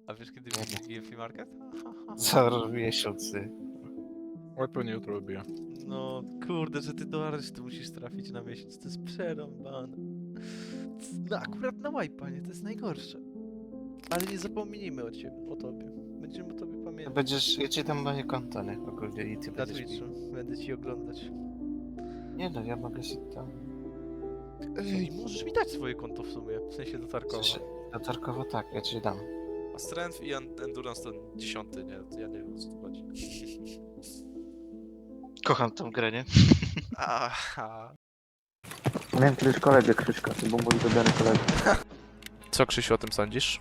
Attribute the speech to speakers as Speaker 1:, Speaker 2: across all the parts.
Speaker 1: A wiesz kiedy będzie Free Market?
Speaker 2: Co miesiący.
Speaker 3: Oj, pewnie jutro robię.
Speaker 1: No kurde, że ty do aresztu musisz trafić na miesiąc, to jest przerąbane. No akurat na wipe'a, nie? To jest najgorsze. Ale nie zapomnijmy o ciebie, o tobie. Będziemy o tobie pamiętać.
Speaker 2: Ja ci dam moje konto, nie? Ogólnie i ty
Speaker 1: Na
Speaker 2: będziesz mi...
Speaker 1: Twitchu, będę ci oglądać.
Speaker 2: Nie no, ja mogę się tam...
Speaker 1: Ej, możesz mi dać swoje konto w sumie, w sensie do Tarkowa.
Speaker 2: Do Tarkowa tak, ja ci dam.
Speaker 1: A Strength i Endurance to 10, nie? Ja nie wiem o co tu chodzi.
Speaker 2: Kocham tą grę, nie?
Speaker 1: Aha.
Speaker 4: Miałem kiedyś kolegę Krzyśka, to był mój wybrany kolega.
Speaker 1: Co Krzysiu o tym sądzisz?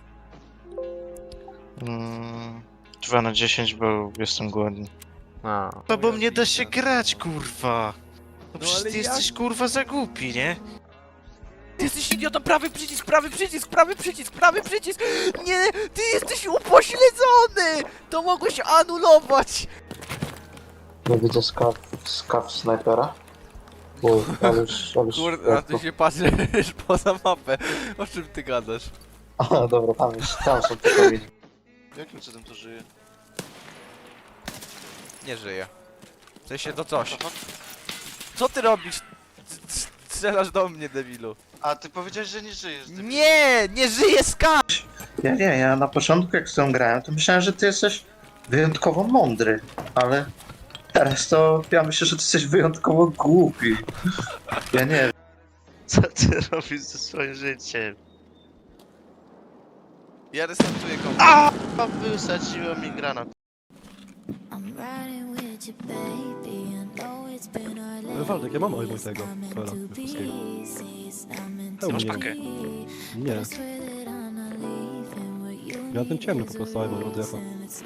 Speaker 2: 2 na 10, bo jestem głodny.
Speaker 1: A.
Speaker 2: No bo mnie da się grać, kurwa! No przecież
Speaker 1: ale
Speaker 2: ty
Speaker 1: jak?
Speaker 2: jesteś kurwa za głupi, nie?
Speaker 1: Ty jesteś idiotą, prawy przycisk, prawy przycisk, prawy przycisk, prawy przycisk! Nie, ty jesteś upośledzony! To mogłeś anulować!
Speaker 4: Nie widzę skaw snajpera. Bo
Speaker 1: Kurde, a ty się patrzysz poza mapę. O czym ty gadasz?
Speaker 4: A, dobra, tam są te kamienie.
Speaker 2: Jakim cudem to żyje?
Speaker 1: Nie żyje. W sensie to coś. Co ty robisz? Strzelasz do mnie, debilu.
Speaker 2: A ty powiedziałeś, że nie żyjesz.
Speaker 1: Nie, nie żyje ska!
Speaker 4: Ja na początku jak z tą grałem, to myślałem, że ty jesteś wyjątkowo mądry, ale teraz to ja myślę, że ty jesteś wyjątkowo głupi. Ja nie wiem.
Speaker 2: Co ty robisz ze swoim życiem?
Speaker 1: Ja restartuję komputer.
Speaker 2: A! Wysadziło mi granat.
Speaker 5: Waldek, ja mam album tego Kola Polskiego.
Speaker 2: Ty masz pakę.
Speaker 5: Nie. Ja ten ciemny po prostu album od Jefa.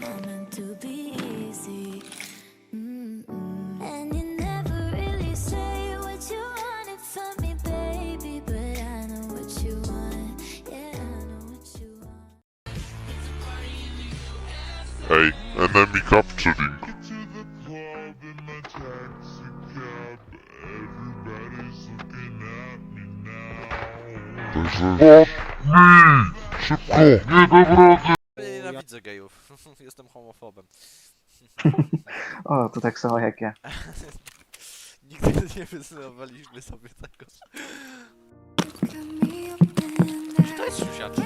Speaker 6: Hey, enemy capturing. Także... Szybko! Nie dam rady!
Speaker 1: Nienawidzę gejów. Jestem homofobem.
Speaker 4: O, to tak samo jak ja.
Speaker 1: Nigdy nie wyznawaliśmy sobie tego. Czy to jest siusiaczek?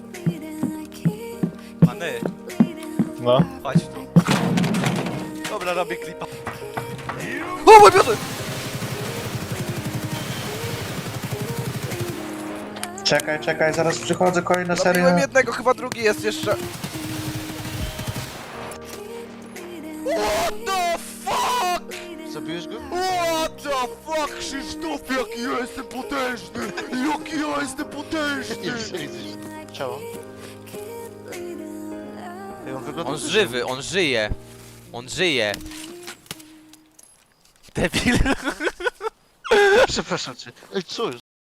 Speaker 1: Many,
Speaker 3: No.
Speaker 1: chodź tu. Dobra, robię klipa. O mój Boże!
Speaker 4: Czekaj, zaraz przychodzę, kolejna seria.
Speaker 1: Zabiłem jednego, chyba drugi jest jeszcze. What the fuck?
Speaker 2: Zabiłeś go?
Speaker 1: What the fuck, Krzysztof, jaki ja jestem potężny! Jaki ja jestem potężny!
Speaker 2: Nie widzisz ciało. Ej, on wygląda...
Speaker 1: On żywy, on żyje. On żyje. Debil.
Speaker 2: Przepraszam cię. Ej, co jest?